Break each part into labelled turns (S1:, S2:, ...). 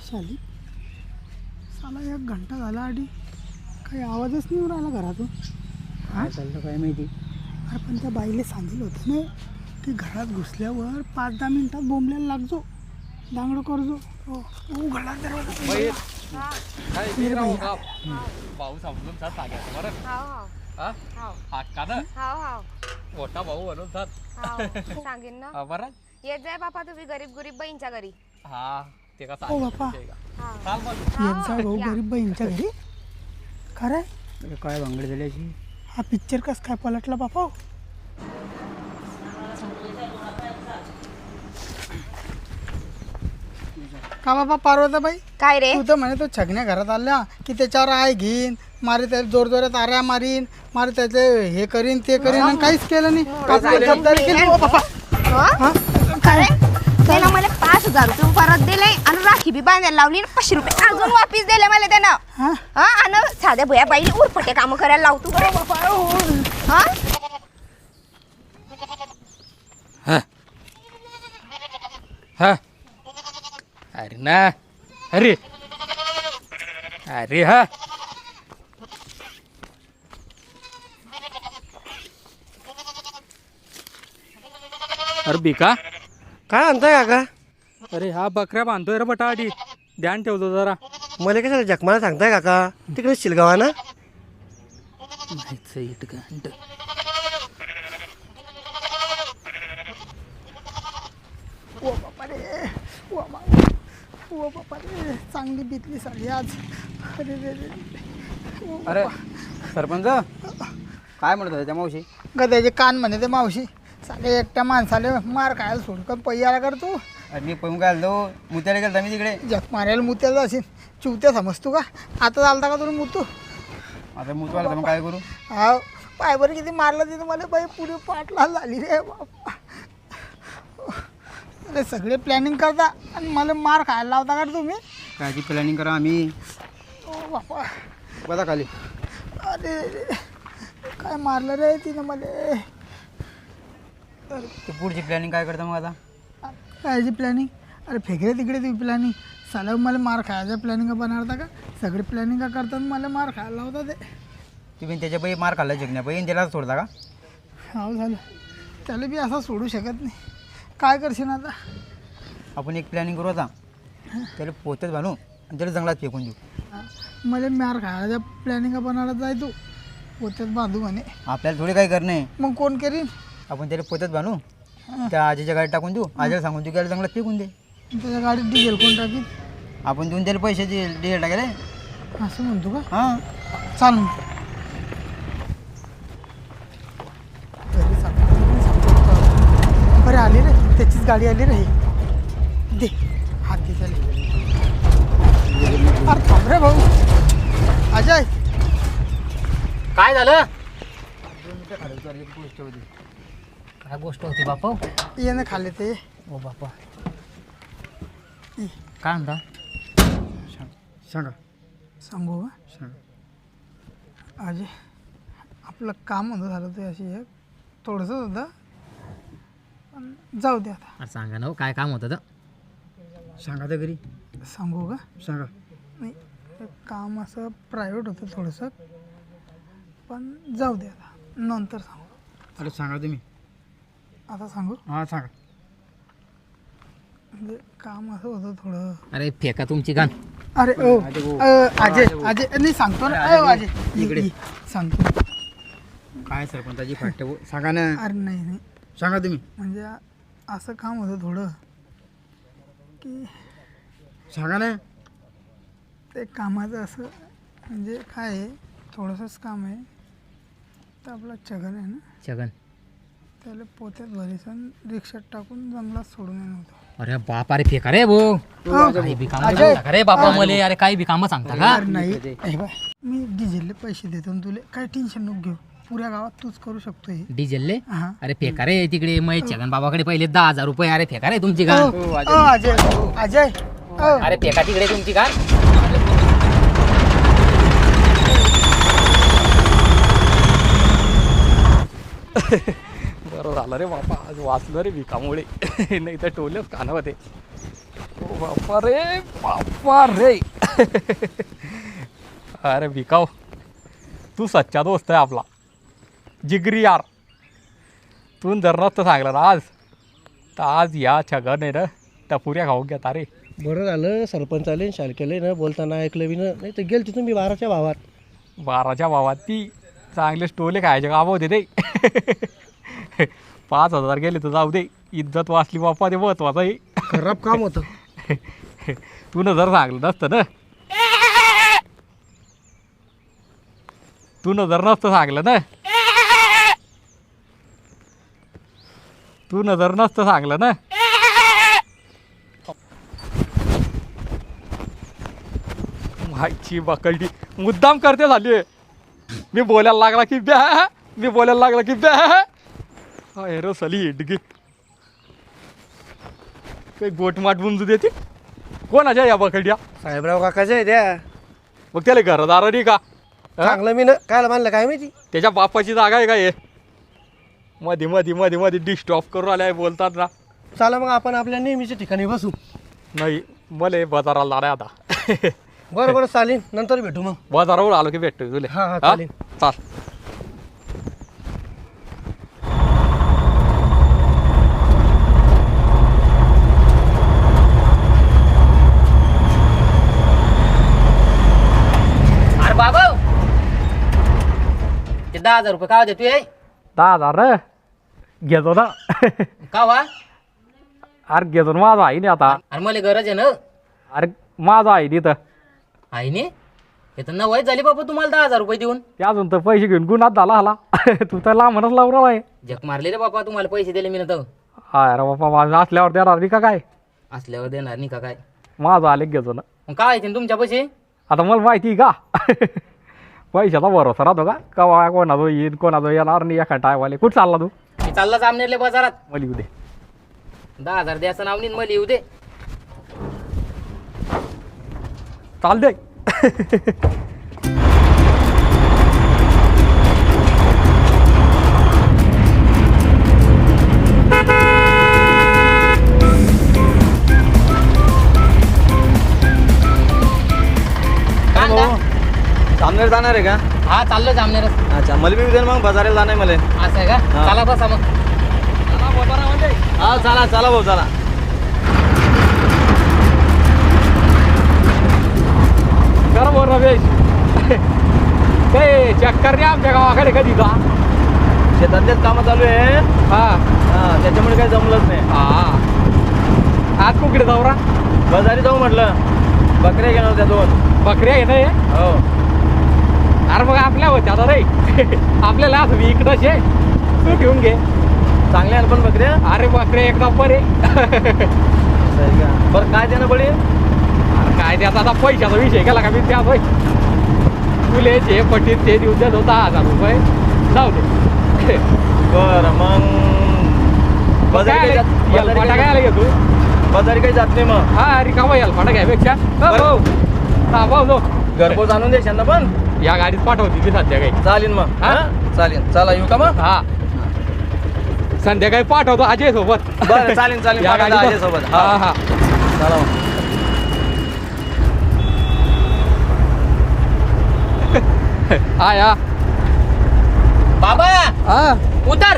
S1: आली साला 1 घंटा झाला आधी काही आवाजच नाही येऊन राहिला घरातून.
S2: काय चाललं काय माहिती.
S1: अरे पण त्या बाईले सांगितलं होतं ना की घरात घुसल्यावर 5-10 मिनिटात बोंबल्याला लागजो दांगडं करजो. उघडला दरवाजा.
S3: भाऊ समजून जात सांगायचं बरं. हक्का ना मोठा भाऊ म्हणून जात
S4: सांगेन ना.
S3: बरं
S4: येत जाय बापा तुम्ही गरीब गरीब बहीणच्या घरी.
S3: हा ते का
S1: ओ बापा
S3: चाल मग
S1: येत जा भाऊ गरीब बहीणच्या घरी. खरं
S2: काय भांगड झाली अशी.
S1: हा पिक्चर कस काय पलटला बापा. का बाबा पार्वताबाई
S4: काय रे
S1: तू तर म्हणे तो छगण्या घरात आल्या की त्याच्यावर आय घेईन मारे त्याला जोर जोरात आऱ्या मारीन मारे त्याचे हे करीन ते करीन आणि काहीच केलं नाही. आपली जबाबदारी केली. ओ बापा हा?
S4: काय त्याला मला 5,000 रुपये परत दिले आणि राखी बी बांधायला लावली 500 रुपये अजून वापिस दिले मला त्यानं.
S1: हा?
S4: हा आणि साध्या भुया बाईला उरफटे काम करायला लावतो. हा
S3: हा अरे ना अरे अरे हा अरे बिका
S2: काय आणताय काका.
S3: अरे हा बकऱ्या बांधतोय रे बटा आधी ध्यान ठेवतो जरा.
S2: मला कशाला जखमाला सांगताय काका. तिकडे शिलगावा ना.
S1: ओ बापा रे ओ बाबा ओ बापा रे चांगली बितली साडी आज. अरे रे रे
S2: अरे सरपंच काय म्हणत होता त्या मावशी.
S1: गद्याचे कान म्हणे ते मावशी साले एकट्या माणसाले मार खायला सोडकन पैयाला करतो.
S2: अरे मी पळून काय आलो मुत्याला गेलो मी तिकडे.
S1: जग मारायला मुत्याला असेल चिवत्या समजतो का. आता चालता का तुम्ही मुतू.
S2: आता मुतवाला मग काय करू.
S1: हा पायवर किती मारलं तिथं मला बाई पुरी पाटला झाली रे बापा. अरे सगळे प्लॅनिंग करता आणि मला मार खायला लावता का रे तुम्ही.
S2: कायची प्लॅनिंग करा आम्ही.
S1: ओ बापा
S2: बघा खाली.
S1: अरे रे काय मारलं रे तिनं मला.
S2: ते पुढची प्लॅनिंग काय करता मग आता.
S1: कायची प्लॅनिंग. अरे फेकरे तिकडे ती प्लॅनिंग साला मला मार खायचं प्लॅनिंग बनवता का. सगळे प्लॅनिंग करतात मला मार खायला लावता ते.
S2: तुम्ही त्याच्या बाई मार खाल्ला जगण्या बाई त्याला सोडता का.
S1: हो झालं त्याला बी असं सोडू शकत नाही. काय करशील आता.
S2: आपण एक प्लॅनिंग करू आता. त्याला पोत्यात बांधू आणि त्याला जंगलात फेकून देऊ.
S1: मला मार खायच्या प्लॅनिंग बनवायला जाय तू पोत्यात बांधू म्हणे.
S2: आपल्याला थोडी काही करणे.
S1: मग कोण करीन.
S2: आपण त्याला पोत्यात बांधू त्या आजीच्या गाडीत टाकून देऊ. आजीला सांगून देऊ की जंगलात फेकून दे.
S1: त्याच्या गाडीत डिझेल कोण टाकीन.
S2: आपण देऊन त्याला पैसे डिझेल टाकेल.
S1: असं म्हणतो का.
S2: हां
S1: चाल मग. बरे आली रे त्याचीच गाडी आली रे. दे हात दे त्याला. अरे थांब रे भाऊ. अजय
S3: काय झालं.
S2: 2 मिनिटं खाली एक गोष्ट होती.
S3: काय गोष्ट होती बापा.
S1: ये ना खाल्ले ते.
S3: ओ बापा
S1: ये.
S3: काय म्हणता.
S2: सांगा
S1: सांगू का
S2: सांगा.
S1: अजय आपलं काम होतं झालं ते अशी एक थोडंसंच होतं पण जाऊ दे आता.
S3: अरे सांगा ना काय काम होतं.
S2: सांगा तर घरी
S1: सांगू का.
S2: सांगा.
S1: नाही ते काम असं प्रायव्हेट होतं थोडंसं पण जाऊ दे आता नंतर सांगू.
S2: अरे सांगा तुम्ही.
S1: आता सांगू.
S2: हां सांगा.
S1: म्हणजे काम असं होतं थोडं.
S3: अरे फेका तुमची गाण.
S1: अरे ओ अजय अजय नाही सांगतो ना. अजय
S2: इकडे.
S1: सांगतो.
S2: काय सरपंचाची फाट सांगा ना.
S1: अरे नाही नाही
S2: सांगा तुम्ही.
S1: म्हणजे असं काम होतं थोडं की
S2: सांगा ना.
S1: ते कामाचं असं म्हणजे काय आहे थोडंसंच काम आहे. तर आपला छगन आहे ना
S3: छगन.
S1: त्याला पोत्यात भरीसन रिक्षात टाकून जंगलात सोडून येणं होतं.
S3: अरे बाप अरे फेका रे भाऊ. काही बी काम सांगता रे बापा मले. अरे काही बी काम सांगता का.
S1: अरे नाही हे बाय मी डिझेलले पैसे देतो ना तुले काही टेन्शन नको घेऊ. पुऱ्या गावात तूच करू शकतो हे.
S3: डिझेलले.
S1: हां
S3: अरे फेका रे तिकडे मग छगन बाबाकडे पहिले 10,000 रुपये. अरे फेका रे तुमची गाण.
S1: अजय अजय
S3: अरे फेका तिकडे तुमची गाण. बरं झालं रे बापा आज वाचलं रे भिकामुळे. नाही तर टोले कानावर ते. बापा रे अरे भिकाव, तू सच्चा दोस्त आहे आपला, जिगरी यार. तू जर नसतं सांगलं ना आज, तर आज या छगन आहे ना त्या पुऱ्या खाऊन घेता रे.
S5: बरं झालं सरपंच आले शालकेले ना बोलताना ऐकलं बी ना, नाही तर गेलती तुम्ही 12च्या भावात.
S3: 12च्या भावात ती चांगले स्टोले खायचे काम होते ते. 5,000 गेले तर जाऊ दे, इज्जत वाचली बाप्पा, ते महत्वाचं आहे.
S5: खराब काम होतं.
S3: तू न जर सांगलं नसतं ना, तू न जर नसतं सांगलं ना, तू न जर नसतं सांगलं ना, माहिती बकलडी मुद्दाम करते झाली. मी बोलायला लागला की ब्या, मी बोलायला लागला की ब्या. रो सली हिडगी काही गोटमाट बुंजू देते. कोणाच्या या बकड्या?
S5: साहेबराव काकाच्या आहे त्या.
S3: मग त्याला घरदार नाही का?
S5: चांगलं मी ना कायला मानलं काय माहिती.
S3: त्याच्या बापाची जागा आहे का हे? मध्ये मध्ये मध्ये मध्ये डिस्टॉप करून आल्या बोलतात ना.
S5: चला मग आपण आपल्या नेहमीच्या ठिकाणी बसू.
S3: नाही मला बाजाराला जाणार आता.
S5: बरं बरं चालेल, नंतर भेटू मग.
S3: बाजारावर आलो की भेटतो तुला.
S5: हा, चालेल.
S3: चाल.
S6: अरे बाबा, ते 10,000 रुपये का देतोय?
S3: 10,000 घेतो ना.
S6: का वा?
S3: अरे घेतो ना, माझा आहे नाही आता.
S6: अरे मला गरज आहे ना.
S3: अरे माझा आहे तिथं.
S6: आहे नी? हे तर नवाईच झाली बाबा तुम्हाला 10,000 रुपये देऊन.
S3: ते अजून तर पैसे घेऊन गुन्हात झाला हाला. तू तर लांबच लावला आहे.
S6: जग मारले रे बाबा, तुम्हाला पैसे दिले मी ना तर.
S3: अरे बाप्पा, माझं असल्यावर देणार नाही का काय?
S6: असल्यावर देणार नाही का काय?
S3: माझं आले घेतो ना.
S6: मग काय येते तुमच्या पैसे?
S3: आता मला माहिती आहे का? पैशाचा भरोसा राहतो का? कवा कोणाजो येईन कोणाजो येणार नाही. एका टायवाले कुठं चालला तू?
S6: मी चालला जामनेरले बाजारात.
S3: मला येऊ दे.
S6: 10,000 द्यायचं नाव नाही, मला येऊ दे.
S3: चाल दे.
S6: कांदा?
S2: सामनेर जाणार आहे का?
S6: हा चाललो जामनेरच.
S2: अच्छा, मला बी उद्या मग बाजाराला जाणार आहे मला.
S6: असं आहे का?
S2: हा.
S6: चला बसा मग.
S2: हा चला चला भाऊ चला.
S3: कर बोल रमेश. ते चक्कर नाही आमच्या गावाकडे कधी का?
S2: शेतातलेच कामं चालू आहे.
S3: हा
S2: हा त्याच्यामुळे काही जमलंच नाही.
S3: हा. आज कुकडे जाऊ रा?
S2: बाजारी जाऊ म्हटलं, बकऱ्या घेणार त्या 2.
S3: बकऱ्या आहे ना हे?
S2: हो.
S3: अरे मग आपल्या होत्या आता रे. आपल्याला असं इकडंच आहे, तू घेऊन घे.
S2: चांगल्या आहे पण बकऱ्या.
S3: अरे बकऱ्या एक नंबर आहे.
S2: बरं काय देणं पडेल?
S3: अरे काय त्याचा आता पैशाचा विषय केला का मी त्यात होय. तुले जे पटीत ते देऊन देत 10,000 रुपये जाऊ दे.
S2: बरं मग बाजारी काही
S3: हेलपाटा काय आला घेतो?
S2: बाजारी काही जात नाही मग.
S3: हा रिकामा हेलपाटा घ्यापेक्षा भाऊ हा भाऊ जो
S2: घरपोच आणून द्यायच्या ना पण.
S3: या गाडीत पाठवते ती संध्याकाळी.
S2: चालेल मग.
S3: हा?
S2: हा चालेल. चला येऊ का मग?
S3: हा संध्याकाळी पाठवतो अजय सोबत.
S2: बरं चालेल चालेल.
S3: या
S2: पाठवता
S3: गाडीत
S2: अजयसोबत.
S3: हा हा.
S2: चला मग.
S3: हा या
S6: बाबा
S3: हा
S6: उतर.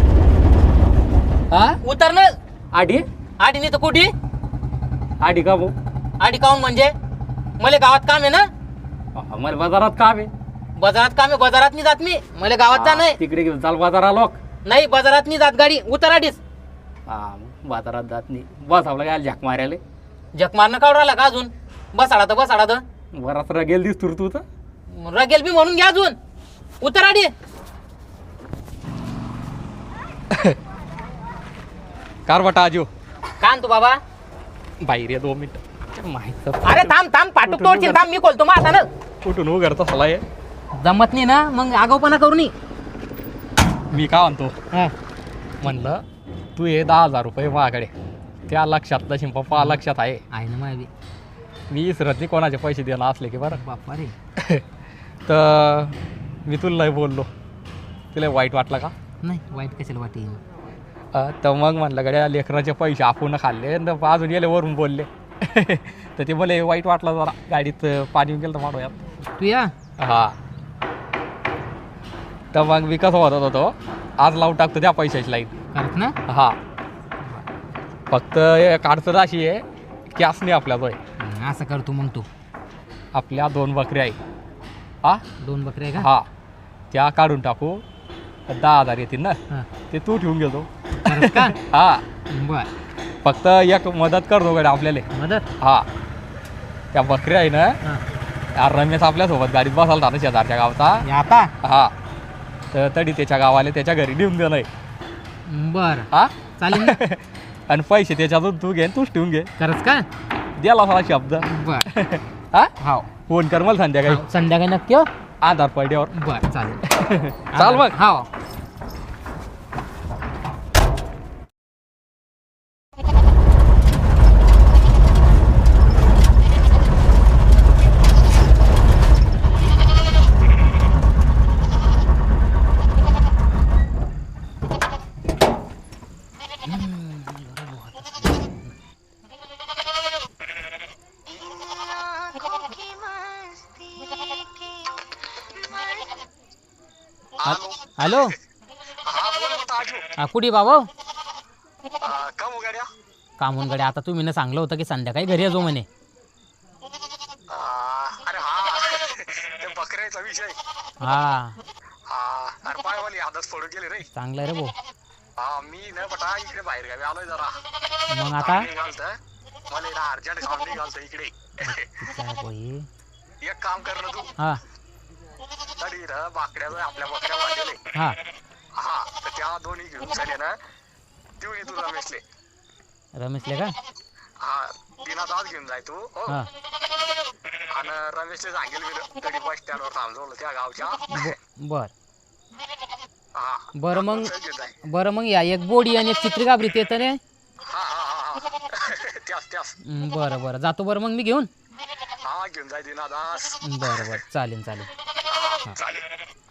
S3: हा
S6: उतर ना.
S3: आडी
S6: आडी नाही तर कुठे?
S3: आडी का भाऊ?
S6: आडी काऊन म्हणजे? मला गावात काम आहे ना.
S3: मला बाजारात काम आहे.
S6: बाजारात काम आहे, बाजारात नाही जात मी. मला गावात जा नाही.
S3: तिकडे घेऊन चाल बाजारा लोक.
S6: नाही बाजारात नाही जात गाडी. उतर आडीच.
S3: हा बाजारात जात नाही. बसावला काय झक मारायला.
S6: जग मारणं काढून राहिला का अजून? बसाडा तर बसाडा तर.
S3: बराच रगेल दिसतो तू तर.
S6: रगेल बी म्हणून घ्या अजून. उतर आडी.
S3: कारवटा आजो
S6: का आणतो बाबा?
S3: बाहेर ये 2 मिनिट. माहित
S6: अरे थांब थांब पाठवतो तोडशील. थांब मी खोलतो मग आता ना.
S3: कुठून उघडता सला आहे.
S6: जमत नाही ना मग आगाऊपणा करू नये.
S3: मी का म्हणतो म्हणलं तू हे 10,000 रुपये माझ्याकडे त्या लक्षात तशी पप्पा लक्षात आहे.
S6: आहे ना माझी.
S3: मी इसरत नाही कोणाचे पैसे देणार असले की बरं.
S6: बाप्पा रे.
S3: तर मी तुला नाही बोललो, तुला वाईट वाटलं का?
S6: नाही वाईट कशाला वाटेल.
S3: तर मग म्हणलं गड्या लेकराचे पैसे आपण खाल्ले अजून गेले वरून बोलले. तर ते मला वाईट वाटलं जरा गाडीत पाणी येऊन गेलं तर माडो यात
S6: तू या
S3: हा तर मग मी कसं होत होतो आज लावून टाकतो त्या पैशाची लाईन
S6: करत ना
S3: हा फक्त एक अडचण अशी आहे कॅश नाही आपल्याजवळ
S6: असं कर तू मग तू
S3: आपल्या 2 बकऱ्या आहे हा
S6: 2 बकऱ्या आहे का
S3: हा त्या काढून टाकू 10,000 येतील ना
S6: हा.
S3: ते तू ठेवून घेतो
S6: खरंच का
S3: हा
S6: बर
S3: फक्त एक मदत करतो गड्या आपल्याला
S6: मदत
S3: हा त्या बकऱ्या आहे ना
S6: हा.
S3: यार रमेश आपल्यासोबत गाडीत बसायला होता ना शेजारच्या गावचा
S6: हे आता
S3: हा तर तरी त्याच्या गावाला त्याच्या घरी नेऊन दे नाही
S6: बर
S3: हा
S6: चालेल ना
S3: आणि पैसे त्याच्यातून तू घे आणि तूच ठेवून घे
S6: खरंच का
S3: द्याला मला शब्द
S6: बर
S3: हा
S6: हो
S3: फोन कर मला संध्याकाळी
S6: संध्याकाळी नक्की हो
S3: आधार पडल्यावर
S6: बर चालेल
S3: चाल मग
S6: हो हॅलो हा कुठे बाबा कामून गड्या आता तुम्ही ना सांगलं होतं की संध्याकाळी घरी येतो म्हणे
S7: अरे हा ते बकऱ्याचा विषय
S6: हा
S7: हा अरे पायवाली आदच पडू गेले रे
S6: चांगलं आहे रे भाऊ
S7: हा मी ना बटा इकडे बाहेर गावी आलोय जरा
S6: मग आता
S7: निघालत मला ना अर्जंट काम निघालत इकडे
S6: तिच्या बाई.
S7: एक काम कर ना तू
S6: हा
S7: तरी ना बाकड्याचं आपल्या बकऱ्या वाढलेले
S6: हा
S7: हा तर त्या दोन्ही घेऊन झाले ना देऊन ये तू रमेशले
S6: रमेशले का
S7: हा दिनात आज घेऊन जाय तू हो
S6: हा
S7: आणि रमेशले सांगेल मी तरी बस स्टँडवर थांबवलं त्या गावच्या
S6: बर
S7: हा
S6: बरं मग
S7: घेऊन जाय
S6: बरं मग या एक बोडी आणि एक चित्री गाबरीत येतं रे
S7: हा हा हा हा त्याच
S6: बरं बरं जातो बरं मग मी घेऊन
S7: हा घेऊन जाय दिनादास
S6: बरं बरं चालेल चालेल
S7: चालेल